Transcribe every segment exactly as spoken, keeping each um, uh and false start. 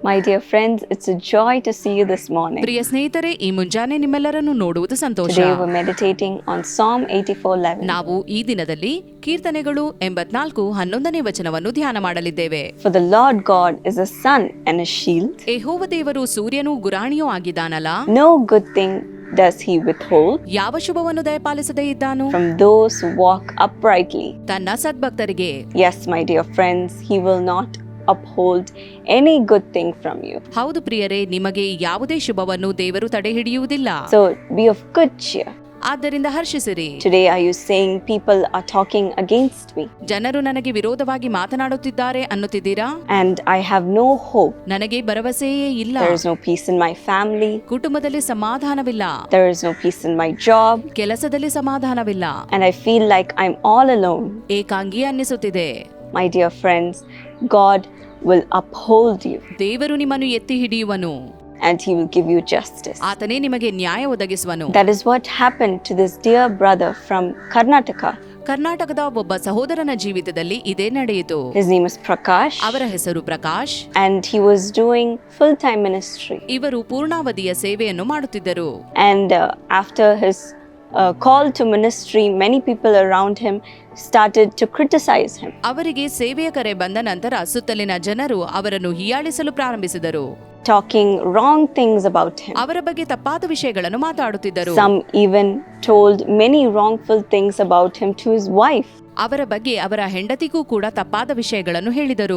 My dear friends, it's a joy to see you this morning. ಪ್ರಿಯ ಸ್ನೇಹಿತರೆ, ಈ ಮುಂಜಾನೆ ನಿಮ್ಮೆಲ್ಲರನ್ನು ನೋಡುವುದು ಸಂತೋಷ. Today we're meditating on Psalm eighty-four eleven. ನಾವು ಈ ದಿನದಲ್ಲಿ ಕೀರ್ತನೆಗಳು ಎಂಬತ್ನಾಲ್ಕು ಹನ್ನೊಂದನೇ ವಚನವನ್ನು ಧ್ಯಾನ ಮಾಡಲಿದ್ದೇವೆ. For the Lord God is a sun and a shield. ಯೆಹೋವ ದೇವರು ಸೂರ್ಯನೂ ಗುರಾಣಿಯೂ ಆಗಿದ್ದಾನಲ್ಲ. No good thing does he withhold ಯಾವ ಶುಭವನ್ನು ದಯಪಾಲಿಸದೇ ಇದ್ದಾನು from those who walk uprightly. ತನ್ನ ಸದ್ಭಕ್ತರಿಗೆ. Yes, my dear friends, he will not uphold any good thing from you. ಹೌದು ಪ್ರಿಯರೇ, ನಿಮಗೆ ಯಾವುದೇ ಶುಭವನ್ನು ದೇವರು ತಡೆ ಹಿಡಿಯುವುದಿಲ್ಲ. So be of good cheer. ಆದ್ದರಿಂದ ಹರ್ಷಿಸಿರಿ. Today are you saying people are talking against me ಜನರು ನನಗೆ ವಿರೋಧವಾಗಿ ಮಾತನಾಡುತ್ತಿದ್ದಾರೆ ಅನ್ನುತ್ತಿದ್ದೀರಾ? and I have no hope? ನನಗೆ ಭರವಸೆಯೇ ಇಲ್ಲ. There is no peace in my family. ಕುಟುಂಬದಲ್ಲಿ ಸಮಾಧಾನವಿಲ್ಲ. There is no peace in my job. ಕೆಲಸದಲ್ಲಿ ಸಮಾಧಾನವಿಲ್ಲ. And I feel like I'm all alone. ಏಕಾಂಗಿ ಅನ್ನಿಸುತ್ತಿದೆ. My dear friends, God will uphold you ದೇವರು ನಿಮ್ಮನ್ನು ಎತ್ತಿ ಹಿಡಿಯುವನು. and he will give you justice. ಆತನೇ ನಿಮಗೆ ನ್ಯಾಯ ಒದಗಿಸುವನು. That is what happened to this dear brother from Karnataka. ಕರ್ನಾಟಕದ ಒಬ್ಬ ಸಹೋದರನ ಜೀವಿತದಲ್ಲಿ ಇದೇ ನಡೆಯಿತು. His name is Prakash. ಅವರ ಹೆಸರು Prakash. And he was doing full-time ministry. ಇವರು ಪೂರ್ಣಾವಧಿಯ ಸೇವೆಯನ್ನು ಮಾಡುತ್ತಿದ್ದರು. And uh, after his uh, call to ministry, many people around him started to criticize him. ಅವರಿಗೆ ಸೇವೆಯ ಕರೆ ಬಂದ ನಂತರ ಸುತ್ತಲಿನ ಜನರು ಅವರನ್ನು ಹೀಯಾಳಿಸಲು ಪ್ರಾರಂಭಿಸಿದರು. Talking wrong things about him. ಅವರ ಬಗ್ಗೆ ತಪ್ಪಾದ ವಿಷಯಗಳನ್ನು ಮಾತಾಡುತ್ತಿದ್ದರು. Some even told many wrongful things about him to his wife. ಅವರ ಬಗ್ಗೆ ಅವರ ಹೆಂಡತಿಗೂ ಕೂಡ ತಪ್ಪಾದ ವಿಷಯಗಳನ್ನು ಹೇಳಿದರು.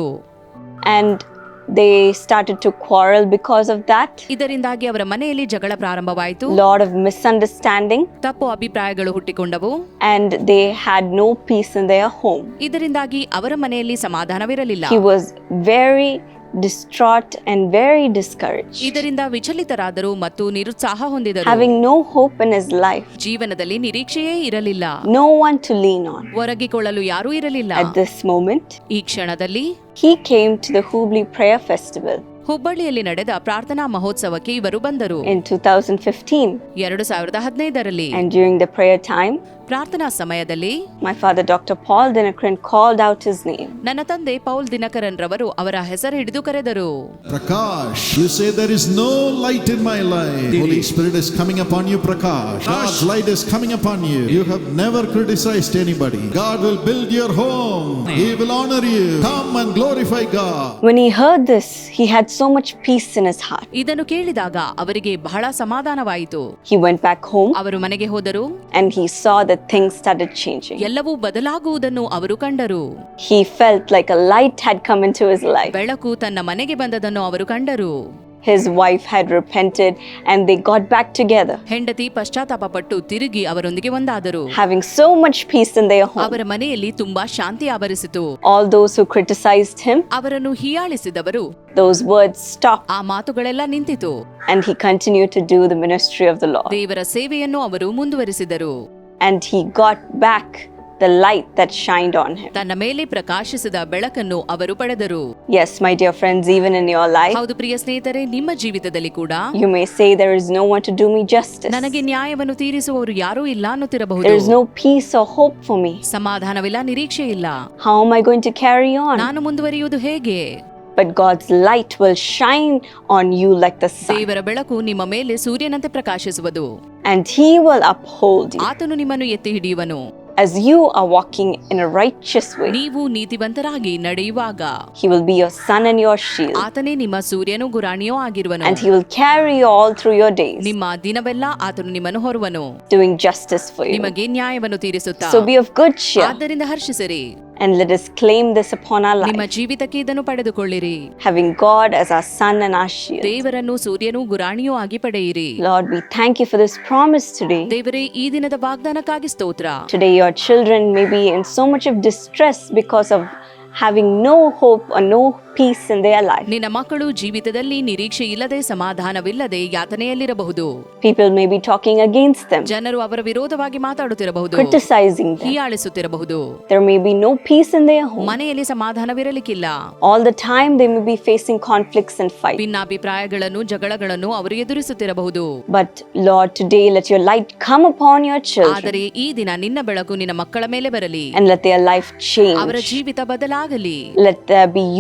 And they started to quarrel because of that. ಇದರಿಂದಾಗಿ ಅವರ ಮನೆಯಲ್ಲಿ ಜಗಳ ಪ್ರಾರಂಭವಾಯಿತು. Lot of misunderstanding. ತಪ್ಪು ಅಭಿಪ್ರಾಯಗಳು ಹುಟ್ಟಿಕೊಂಡವು. And they had no peace in their home. ಇದರಿಂದಾಗಿ ಅವರ ಮನೆಯಲ್ಲಿ ಸಮಾಧಾನವಿರಲಿಲ್ಲ. He was very distraught and very discouraged. ಇದರಿಂದ ವಿಚಲಿತರಾದರು ಮತ್ತು ನಿರುತ್ಸಾಹ ಹೊಂದಿದರು. Having no hope in his life. ಜೀವನದಲ್ಲಿ ನಿರೀಕ್ಷೆಯೇ ಇರಲಿಲ್ಲ. No one to lean on. ಒರಗಿಕೊಳ್ಳಲು ಯಾರೂ ಇರಲಿಲ್ಲ. At this moment, ಈ ಕ್ಷಣದಲ್ಲಿ he came to the Hubli Prayer Festival ಹುಬ್ಬಳ್ಳಿಯಲ್ಲಿ ನಡೆದ ಪ್ರಾರ್ಥನಾ ಮಹೋತ್ಸವಕ್ಕೆ ಇವರು ಬಂದರು. in two thousand fifteen. ಎರಡು ಸಾವಿರದ ಹದಿನೈದರಲ್ಲಿ. And during the prayer time, ಪ್ರಾರ್ಥನಾ ಸಮಯದಲ್ಲಿ my father Doctor Paul Dinakaran called out his name. ನನ್ನ ತಂದೆ ಪೌಲ್ ದಿನಕರನ್ ರವರು ಅವರ ಹೆಸರು ಹಿಡಿದು ಕರೆದರು. Prakash, you say there is no light in my life. Holy Spirit is coming upon you, Prakash. God's light is coming upon you. You have never criticized anybody. God will build your home. He will honor you. Come and glorify God. When he heard this, he had so much peace in his heart. ಇದನ್ನು ಕೇಳಿದಾಗ ಅವರಿಗೆ ಬಹಳ ಸಮಾಧಾನವಾಯಿತು. He went back home ಅವರು ಮನೆಗೆ ಹೋದರು. and he saw that things started changing. ಎಲ್ಲವೂ ಬದಲಾಗುವುದನ್ನು ಅವರು ಕಂಡರು. He felt like a light had come into his life. ಬೆಳಕು ತನ್ನ ಮನೆಗೆ ಬಂದದನ್ನು ಅವರು ಕಂಡರು. His wife had repented and they got back together. ಹೆಂಡತಿ ಪಶ್ಚಾತ್ತಾಪ ಪಟ್ಟು ತಿರುಗಿ ಅವರೊಂದಿಗೆ ಒಂದಾದರು. Having so much peace in their home. ಅವರ ಮನೆಯಲ್ಲಿ ತುಂಬಾ ಶಾಂತಿ ಆವರಿಸಿತು. All those who criticized him, ಅವರನ್ನು ಹೀಯಾಳಿಸಿದವರು, those words stopped. ಆ ಮಾತುಗಳೆಲ್ಲ ನಿಂತಿತು. And he continued to do the ministry of the Lord. ದೇವರ ಸೇವೆಯನ್ನು ಅವರು ಮುಂದುವರಿಸಿದರು. And he got back the light that shined on him. ತನ್ನ ಮೇಲೆ ಪ್ರಕಾಶಿಸಿದ ಬೆಳಕನ್ನು ಅವರು ಪಡೆದರು. Yes, my dear friends, even in your life, ಹೌದು ಪ್ರಿಯ ಸ್ನೇಹಿತರೆ, ನಿಮ್ಮ ಜೀವಿತದಲ್ಲಿ ಕೂಡ you may say there is no one to do me justice. ನನಗೆ ನ್ಯಾಯವನ್ನು ತೀರಿಸುವವರು ಯಾರೂ ಇಲ್ಲ ಅನ್ನುತ್ತಿರಬಹುದು. There is no peace or hope for me. ಸಮಾಧಾನವಿಲ್ಲ, ನಿರೀಕ್ಷೆ ಇಲ್ಲ. How am I going to carry on? ನಾನು ಮುಂದುವರಿಯುವುದು ಹೇಗೆ? But God's light will shine on you like the sun. ದೇವರ ಬೆಳಕು ನಿಮ್ಮ ಮೇಲೆ ಸೂರ್ಯನಂತೆ ಪ್ರಕಾಶಿಸುವುದು. And he will uphold you. ಆತನು ನಿಮ್ಮನ್ನು ಎತ್ತಿ ಹಿಡಿಯುವನು. As you are walking in a righteous way, ನೀವು ನೀತಿವಂತರಾಗಿ ನಡೆಯುವಾಗ he will be your sun and your shield. ಆತನೇ ನಿಮ್ಮ ಸೂರ್ಯನೂ ಗುರಾಣಿಯೂ ಆಗಿರುವನು. And he will carry you all through your days, ನಿಮ್ಮ ದಿನವೆಲ್ಲ ಆತನು ನಿಮ್ಮನ್ನು ಹೊರುವನು, doing justice for you. ನಿಮಗೆ ನ್ಯಾಯವನ್ನು ತೀರಿಸುತ್ತಾ. So be of good cheer. ಆದ್ದರಿಂದ ಹರ್ಷಿಸಿರಿ. And let us claim this upon our ನಿಮ್ಮ life, ಜೀವಿತಕ್ಕೆ ಇದನ್ನು ಪಡೆದುಕೊಳ್ಳಿರಿ. having God as our sun and our shield. ದೇವರನ್ನು ಸೂರ್ಯನೂ ಗುರಾಣಿಯೂ ಆಗಿ ಪಡೆಯಿರಿ. Lord, we thank you for this promise today. ದೇವರೇ, ಈ ದಿನದ ವಾಗ್ದಾನಕ್ಕಾಗಿ ಸ್ತೋತ್ರ. Today your children may be in so much of distress because of having no hope or no peace in their life. ನಿನ್ನ ಮಕ್ಕಳು ಜೀವಿತದಲ್ಲಿ ನಿರೀಕ್ಷೆ ಇಲ್ಲದೆ, ಸಮಾಧಾನವಿಲ್ಲದೆ ಯಾತನೆಯಲ್ಲಿರಬಹುದು. People may be talking against them, ಜನರು ಅವರ ವಿರೋಧವಾಗಿ ಮಾತಾಡುತ್ತಿರಬಹುದು, criticizing them. ಹೀಯಾಳಿಸುತ್ತಿರಬಹುದು. There may be no peace in their home. ಮನೆಯಲ್ಲಿ ಸಮಾಧಾನವಿರಲಿಕ್ಕಿಲ್ಲ. All the time they may be facing conflicts and fights. ಭಿನ್ನಾಭಿಪ್ರಾಯಗಳನ್ನು, ಜಗಳಗಳನ್ನು ಅವರು ಎದುರಿಸುತ್ತಿರಬಹುದು. But Lord, today let your light come upon your children. ಆದರೆ ಈ ದಿನ ನಿನ್ನ ಬೆಳಕು ನಿನ್ನ ಮಕ್ಕಳ ಮೇಲೆ ಬರಲಿ. And let their life change. ಅವರ ಜೀವಿತ ಬದಲಾಗಲಿ. Let there be unity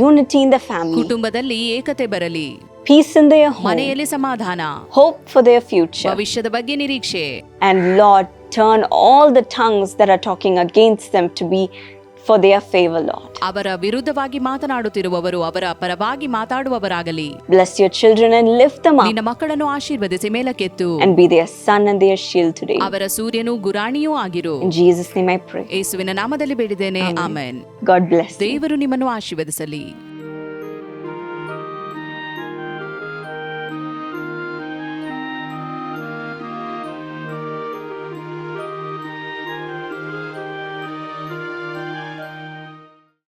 in the family, ಕುಟುಂಬದಲ್ಲಿ ಏಕತೆ ಬರಲಿ, peace in their home, ಮನೆಯಲ್ಲಿ ಸಮಾಧಾನ, hope for their future. ಭವಿಷ್ಯದ ಬಗ್ಗೆ ನಿರೀಕ್ಷೆ. And Lord, turn all the tongues that are talking against them to be for their favor, Lord. ಅವರ ವಿರುದ್ಧವಾಗಿ ಮಾತನಾಡುತ್ತಿರುವವರು ಅವರ ಪರವಾಗಿ ಮಾತಾಡುವವರಾಗಲಿ. Bless your children and lift them up ನಿನ್ನ ಮಕ್ಕಳನ್ನು ಆಶೀರ್ವದಿಸಿ ಮೇಲಕ್ಕೆತ್ತು. and be their sun and their shield today. ಅವರ ಸೂರ್ಯನೂ ಗುರಾಣಿಯೂ ಆಗಿರು. In Jesus' name I pray. ಯೇಸುವಿನ ನಾಮದಲ್ಲಿ ಬೇಡಿದ್ದೇನೆ, ಆಮೆನ್. God bless you. ದೇವರು ನಿಮ್ಮನ್ನು ಆಶೀರ್ವದಿಸಲಿ.